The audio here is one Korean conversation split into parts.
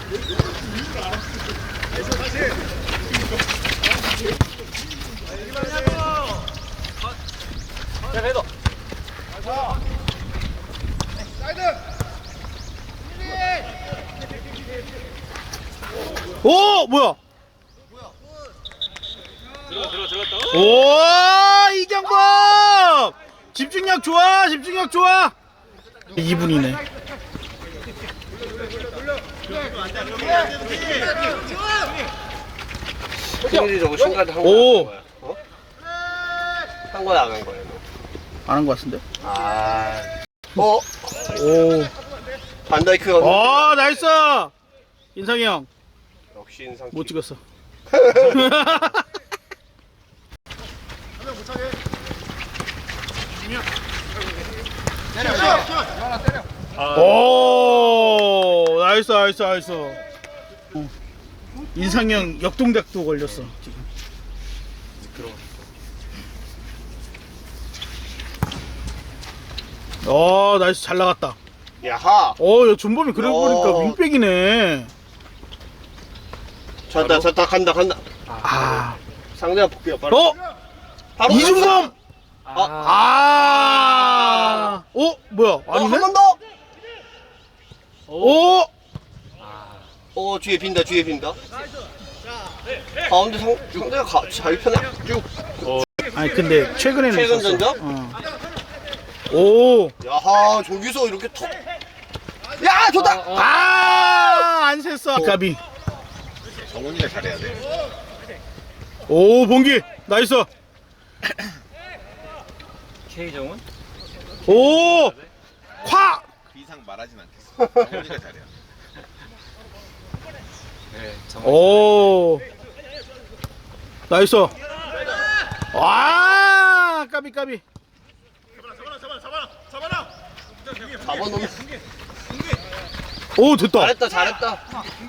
오 뭐야? 들어갔다. 오 이경범 집중력 좋아 집중력 좋아. 2분이네. 승일이 저거 신가드 한 오. 거야? 어? 한 거야 안 한 거야? 안 한 것 같은데? 아. 오. 반다이크가 어 나이스. 인상이 형 못 역시 인상. 찍었어. 오 나이스 나이스 나이스. 인상이 형 역동작도 걸렸어 지금. 나이스 잘 나갔다. 야하. 야 준범이 그래 보니까 어. 윙백이네. 졌다 간다. 아, 상대가 복귀야 바로. 바로 이준범. 아. 뭐야? 아니네. 한 번 더. 오, 뒤에 빈다. 가운데 상대가 자기 편에 쭉. 아니 근데 최근에는 최근 있었어. 전적? 오, 야하 저기서 이렇게 톡. 야 좋다. 안 샜어. 까비. 정훈이가 잘해야 돼. 오, 봉기. 나이스. K정훈? 오, 콱. 그 이상 말하진 않겠어. 정훈이가 잘해야 돼. 네, 정훈. 오, 나이스. 와, 까비. 잡아놓으면. 오, 됐다. 잘했다.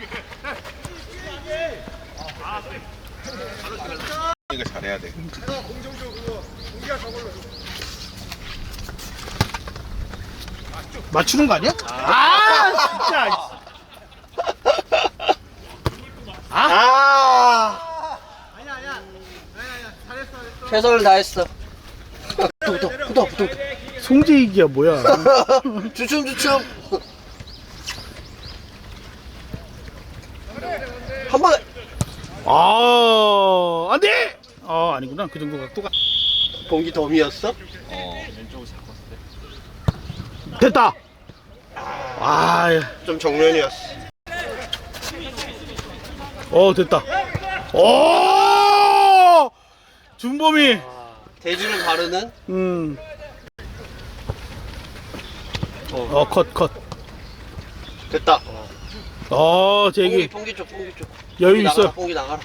이거 잘해야 돼. 맞추는 거 아니야? 진짜. 최선을 다했어. 붙어. 송재익이야 뭐야? 주춤. 한 번에. 안 돼! 아니구나. 그 정도 각도가. 봉기 덤이었어? 왼쪽을 잡았을 때. 됐다! 좀 정면이었어. 됐다. 오! 준범이. 대지를 바르는. 컷. 됐다. 제기. 봉기 쪽. 여유 있어. 봉기 나가라.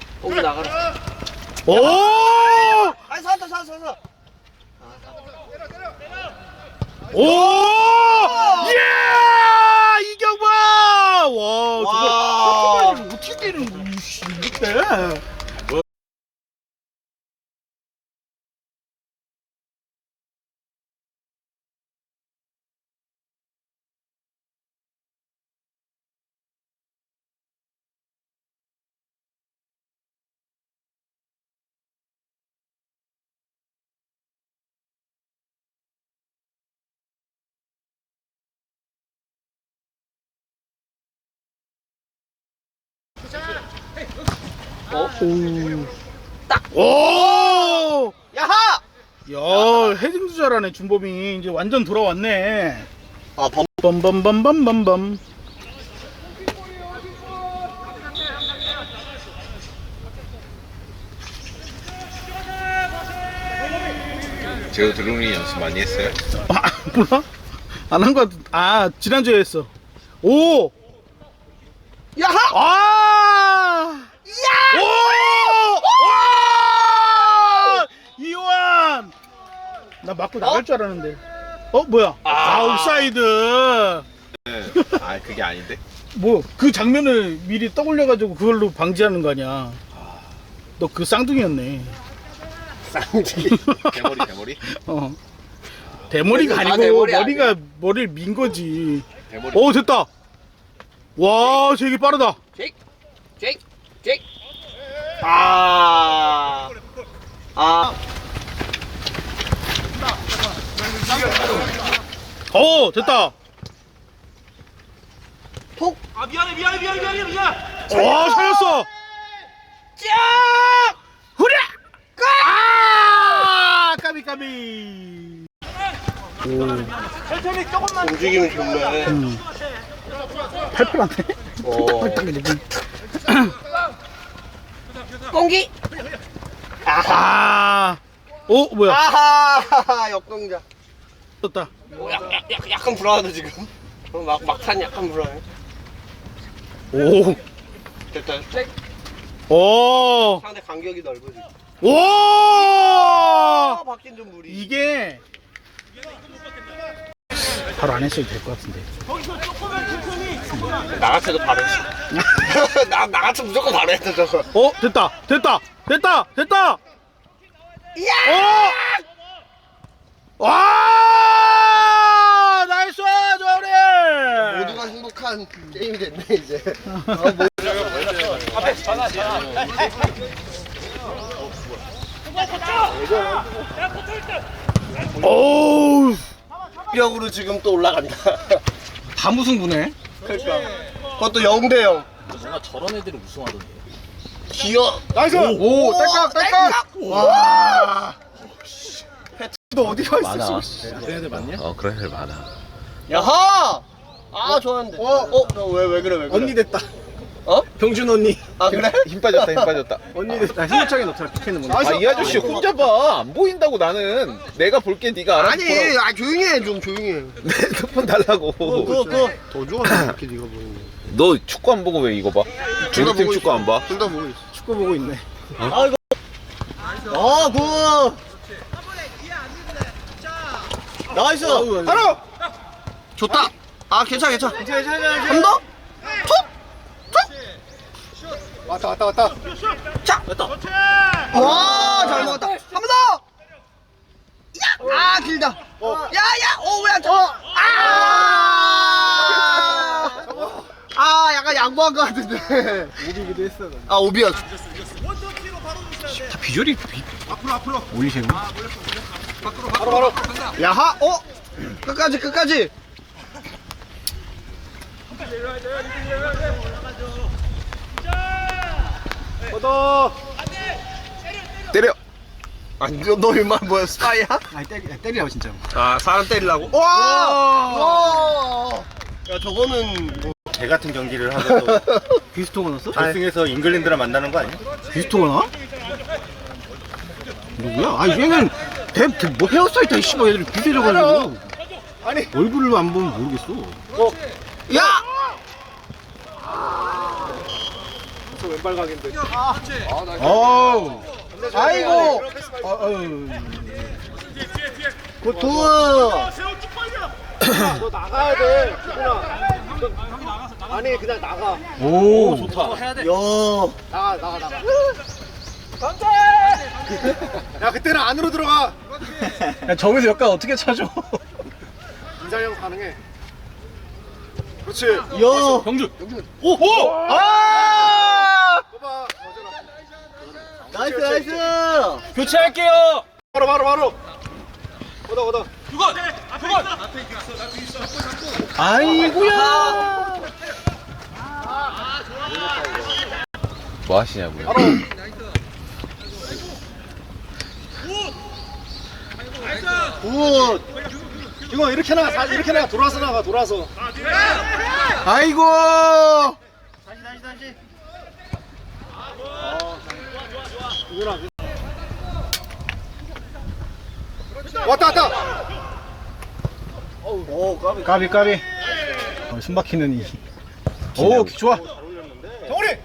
오! 아니 살았다. 오! 예! 이경범! 와, 저거 어떻게 되는 거야? 이렇게. 오! 야하! 야, 헤딩도 잘하네, 준범이. 이제 완전 돌아왔네. 범. 빰빰빰빰빰빰. 제우 드루미 연습 많이 했어요? 몰라? 안 한 거 같아. 지난주에 했어. 오! 야하! 야! 오! 와! 이완! 나 맞고 나갈 줄 알았는데. 뭐야? 아웃사이드. 그게 아닌데? 뭐 그 장면을 미리 떠올려가지고 그걸로 방지하는 거 아니야. 너 그 쌍둥이였네. 쌍둥이. 대머리? 대머리가 다 아니고 대머리 머리를 민 거지. 대머리. 됐다. 와, 제기 빠르다. 제이크. 아. 됐다. 톡. 와, 살렸어. 쫙. 후랴! 까비. 움직임이 좋네. 팔팔한데? 공기. 뭐야? 아하. 역동작. 떴다. 약간 불안하다 지금. 막탄 약간 불안해. 오. 됐다. 오. 상대 간격이 넓어지. 와! 바뀐 좀 무리. 이게 바로 안 했어도 될 것 같은데. 나 같아도 바로 했어. 나 같으면 무조건 바로 했다 저거. 됐다. 이야! 와! 나이스, 조리! 모두가 행복한 게임이 됐네 이제. 오우. 력으로 지금 또 올라간다. 다 무승부네. 그러니까. 그것도 0대0. 뭔가 저런 애들이 우승하던데. 기어. 나이스! 오, 딸깍. 와. 너 어디 가 많아. 그런 애들 맞냐? 그런 애들 많아. 야하. 아, 좋았는데. 왜 그래? 언니 됐다. 어? 병준 언니. 아, 그래? 힘 빠졌다. 언니 됐다. 힘차게 넣더라, 피켓는 뭐. 이 아저씨 혼자 봐. 안 보인다고 나는. 내가 볼게 네가 알아서 아니, 보라고. 조용히 해, 조용히 해. 내 핸드폰 달라고. 더 좋아, 이렇게 네가 보이는 너 축구 안 보고 왜 이거 봐? 중국팀 축구 안 봐? 둘다 보고 있어. 축구 보고 있네. 굿! 나이스! 바로! 좋다! 아, 괜찮아. 한 더? 왔다. 자! 됐다. 와, 잘 먹었다. 한 번 더! 야! 아, 길다. 왜 안 쳐? 약간 양보한 것 같은데. 오비기도 했어. 아, 오비야. 다 비주얼이 앞으로 올리세요. 바로. 야하! 끝까지. 때려. 아니, 너 얼마 뭐야, 스파이야? 아니, 때리라고, 진짜. 아, 사람 때리려고? 와! 야, 저거는 뭐. 개 같은 경기를 하고 또 비스토가 넣었어? 결승에서 잉글랜드랑 만나는 거 아니야? 비스토가 나? 누구야? 얘는 뭐 헤어스타일 다 씨발 얘들이 비슷해져가지고. 아니 얼굴을 안 보면 모르겠어. 야! 어우. 아이고! 굿! 오, 좋다. 해야 돼. 야, 그때는 안으로 들어가! 야, 저기서 역할 어떻게 찾아? 인상형 가능해. 그렇지. 병준. 아! 나이스! 교체할게요. 바로. 오다. 아이고야. 뭐 하시냐고요? 굿! 이거 이렇게 나가 돌아서. 아이고. 다시. 왔다. 오, 까비. 숨 막히는 이. 오, 좋아. 정우리.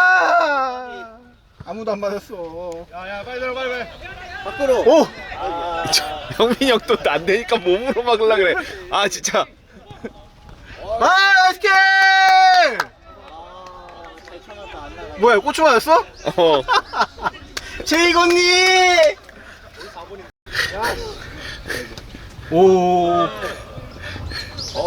아무도 안 맞았어. 야, 빨리. 밖으로. 오. 형민이 형 또 안 되니까 몸으로 막으려 그래. 아 진짜. 나이스 킥! 뭐야, 고추 맞았어? 제이건님. 오.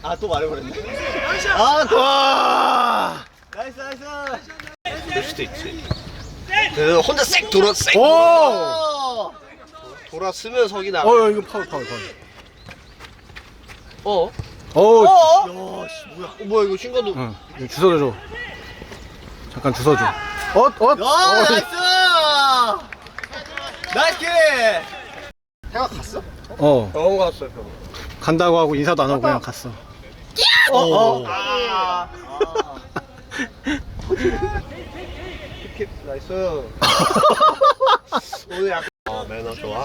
아, 또 말해버렸네. 아, 또. 와. 나이스, 나이스. 그럴 수도 있지. 그 혼자 쌩 돌아, 쌩. 오. 돌았으면 석이 나. 이거 파울. 어? 어. 야, 씨, 뭐야? 뭐야, 이거 신간도. 응. 이거 주워줘. 잠깐 주워줘. 야, 나이스! 나이스 킥! 해가 갔어? 병원 갔어요, 간다고 하고 인사도 안 하고 그냥 갔어. 킥, 나이스. 오늘 약간. 매너 좋아.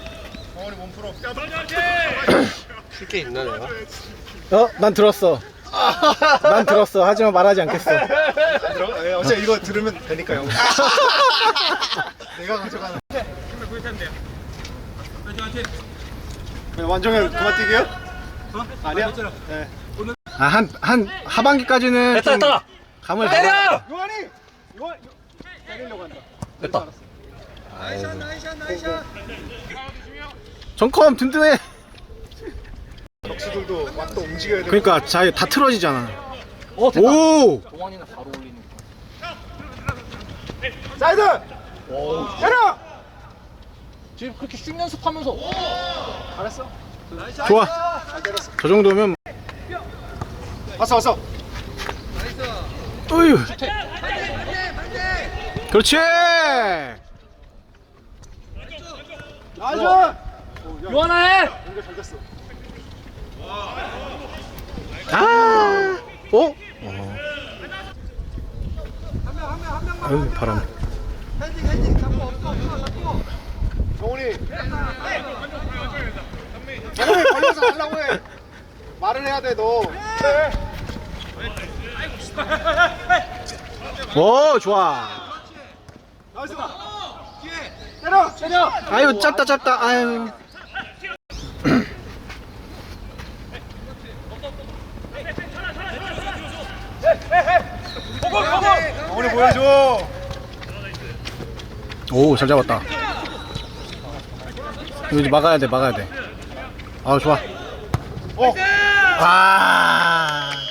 쉴 게 있나, 내가? 난 들었어. 난 들었어. 하지만 말하지 않겠어. 어제 이거 들으면 되니까요. 내가 가져가는. 완전히 그만 뛰게요? 아니야? 네. 한 하반기까지는 좀 됐다. 감을 잡아. 요한이! 요한! 때리려고 한다. 됐다. 정컴 든든해. 덕수들도 막 또 움직여야 돼. 그러니까 자기 다 틀어지잖아. 됐다. 오. 동환이는 바로 올리는. 사이드! 때려! 지금 그렇게 슛 연습하면서. 잘했어. 좋아. 잘 때렸어. 저 정도면 왔어. 어휴. 그렇지. 나이스! 요하나 해. 연결 잘 됐어. 아. 아유 바람. 정훈이 걸려서 하려고 해. 말을 해야 돼, 너. 오 좋아. 나이스! 때려! 아유 짧다. 아유. 정훈이 보여줘. 오 잘 잡았다. 이거 이제 막아야 돼. 아 좋아. 어. 아.